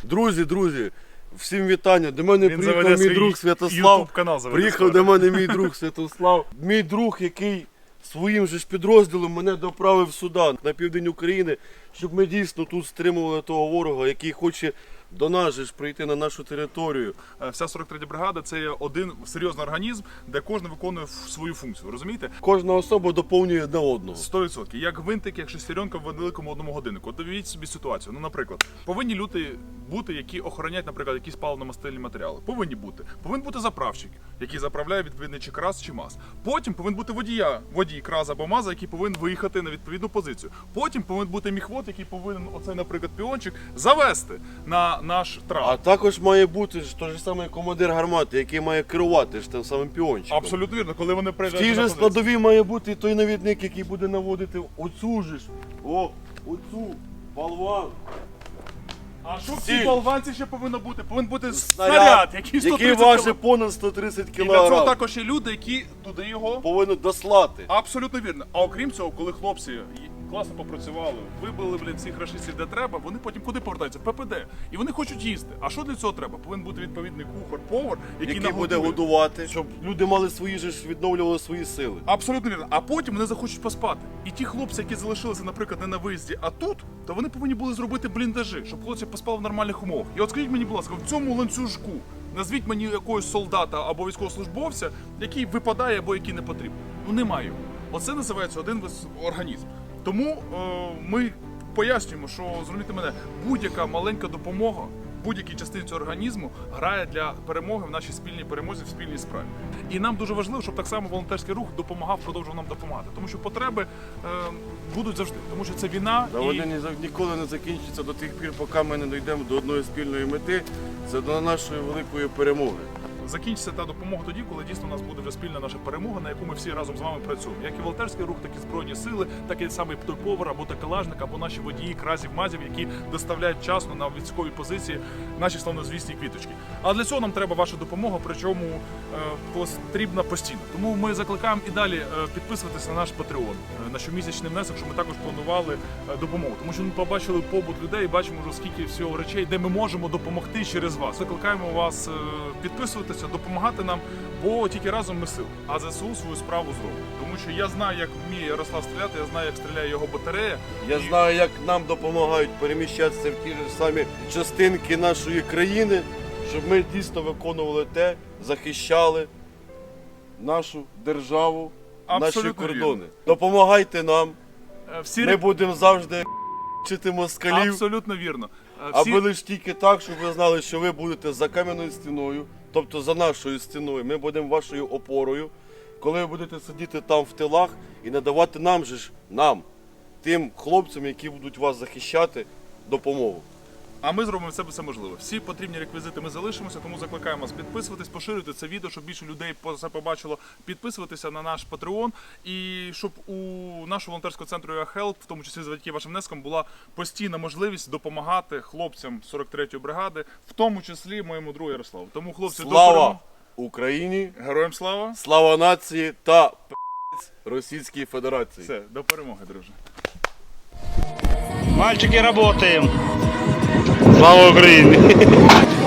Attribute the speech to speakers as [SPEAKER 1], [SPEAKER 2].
[SPEAKER 1] Друзі, всім вітання. До мене
[SPEAKER 2] Він
[SPEAKER 1] приїхав мій друг Святослав. Приїхав до мене мій друг Святослав. Мій друг, який своїм же ж підрозділом мене доправив сюди, на південь України, щоб ми дійсно тут стримували того ворога, який хоче до нас же ж прийти на нашу територію.
[SPEAKER 2] Вся 43-я бригада – це один серйозний організм, де кожен виконує свою функцію, розумієте?
[SPEAKER 1] Кожна особа доповнює одне одного.
[SPEAKER 2] 100%. Як гвинтик, як шестеренка в великому одному годиннику. От уявіть собі ситуацію. Ну, наприклад, повинні люди бути, які охороняють, наприклад, якісь паливно-мастильні матеріали. Повинні бути. Повинен бути заправщик, який заправляє відповідний чи краз, чи маз. Потім повинен бути водій краза або маза, який повинен виїхати на відповідну позицію. Потім повинен бути міхвод, який повинен, оцей, наприклад, піончик, завести на наш трап.
[SPEAKER 1] А також має бути ж той же самий командир гармати, який має керувати ж тим самим піончиком.
[SPEAKER 2] Абсолютно вірно, коли вони
[SPEAKER 1] В
[SPEAKER 2] приїжджають
[SPEAKER 1] тій
[SPEAKER 2] на
[SPEAKER 1] же
[SPEAKER 2] позицію.
[SPEAKER 1] складовій має бути той навідник, який буде наводити оцю же ж, оцю, болван.
[SPEAKER 2] А що в
[SPEAKER 1] Стіль.
[SPEAKER 2] цій болванці ще повинно бути? Повинен бути
[SPEAKER 1] Снаряд,
[SPEAKER 2] снаряд, який 130
[SPEAKER 1] який
[SPEAKER 2] кг.
[SPEAKER 1] важить понад 130
[SPEAKER 2] І для цього
[SPEAKER 1] кг.
[SPEAKER 2] також є люди, які туди його...
[SPEAKER 1] Повинен дослати.
[SPEAKER 2] Абсолютно вірно. А окрім цього, коли хлопці класно попрацювали, вибили, всіх рашистів де треба, вони потім куди повертаються? В ППД. І вони хочуть їсти. А що для цього треба? Повинен бути відповідний кухар, повар, який
[SPEAKER 1] Який буде
[SPEAKER 2] нагодує.
[SPEAKER 1] годувати, щоб люди мали свої ж відновлювали свої сили.
[SPEAKER 2] Абсолютно вірно. А потім вони захочуть поспати. І ті хлопці, які залишилися, наприклад, не на виїзді, а тут, то вони повинні були зробити бліндажі, щоб хлопці поспали в нормальних умовах. І от скажіть мені, будь ласка, в цьому ланцюжку назвіть мені якогось солдата або військовослужбовця, який випадає або який не потрібен. Ну немає його. Оце називається один організм. Тому ми пояснюємо, що, зрозумійте мене, будь-яка маленька допомога будь-якій частині цього організму грає для перемоги в нашій спільній перемозі, в спільній справі. І нам дуже важливо, щоб так само волонтерський рух допомагав, продовжував нам допомагати. Тому що потреби будуть завжди. Тому що це війна.
[SPEAKER 1] Та вони ніколи не закінчаться до тих пір, поки ми не дійдемо до одної спільної мети. Це до нашої великої перемоги.
[SPEAKER 2] Закінчиться та допомога тоді, коли дійсно у нас буде вже спільна наша перемога, на яку ми всі разом з вами працюємо. Як і волонтерський рух, так і Збройні сили, так і самий той повар, або такелажник, або наші водії, кразів, мазів, які доставляють вчасно на військові позиції наші славнозвісні квіточки. А для цього нам треба ваша допомога, причому потрібна постійно. Тому ми закликаємо і далі підписуватися на наш Patreon, на щомісячний внесок, щоб ми також планували допомогу. Тому що ми побачили побут людей, бачимо вже скільки всього речей, де ми можемо допомогти через вас. Закликаємо вас підписуватися, допомагати нам, бо тільки разом ми сила. А ЗСУ свою справу зробить. Тому що я знаю, як вміє Ярослав стріляти, я знаю, як стріляє його батарея.
[SPEAKER 1] Я знаю, як нам допомагають переміщатися в ті ж самі частинки нашої країни, щоб ми дійсно виконували те, захищали нашу державу,
[SPEAKER 2] Абсолютно
[SPEAKER 1] наші кордони.
[SPEAKER 2] вірно.
[SPEAKER 1] Допомагайте нам,
[SPEAKER 2] Всі
[SPEAKER 1] ми будемо завжди вчити москалів.
[SPEAKER 2] Абсолютно вірно.
[SPEAKER 1] Аби лише тільки так, щоб ви знали, що ви будете за кам'яною стіною, тобто за нашою стіною. Ми будемо вашою опорою, коли ви будете сидіти там в тилах і надавати нам, тим хлопцям, які будуть вас захищати, допомогу.
[SPEAKER 2] А ми зробимо все можливе. Всі потрібні реквізити ми залишимося, тому закликаємо вас підписуватись, поширювати це відео, щоб більше людей це побачило, підписуватися на наш Patreon і щоб у нашого волонтерського центру «Help», в тому числі завдяки вашим внескам, була постійна можливість допомагати хлопцям 43-ї бригади, в тому числі моєму другу Ярославу. Тому, хлопці,
[SPEAKER 1] Слава Україні!
[SPEAKER 2] Героям слава!
[SPEAKER 1] Слава нації та Російській Федерації!
[SPEAKER 2] Все, до перемоги, друже!
[SPEAKER 3] Мальчики, работаем! Слава Украине!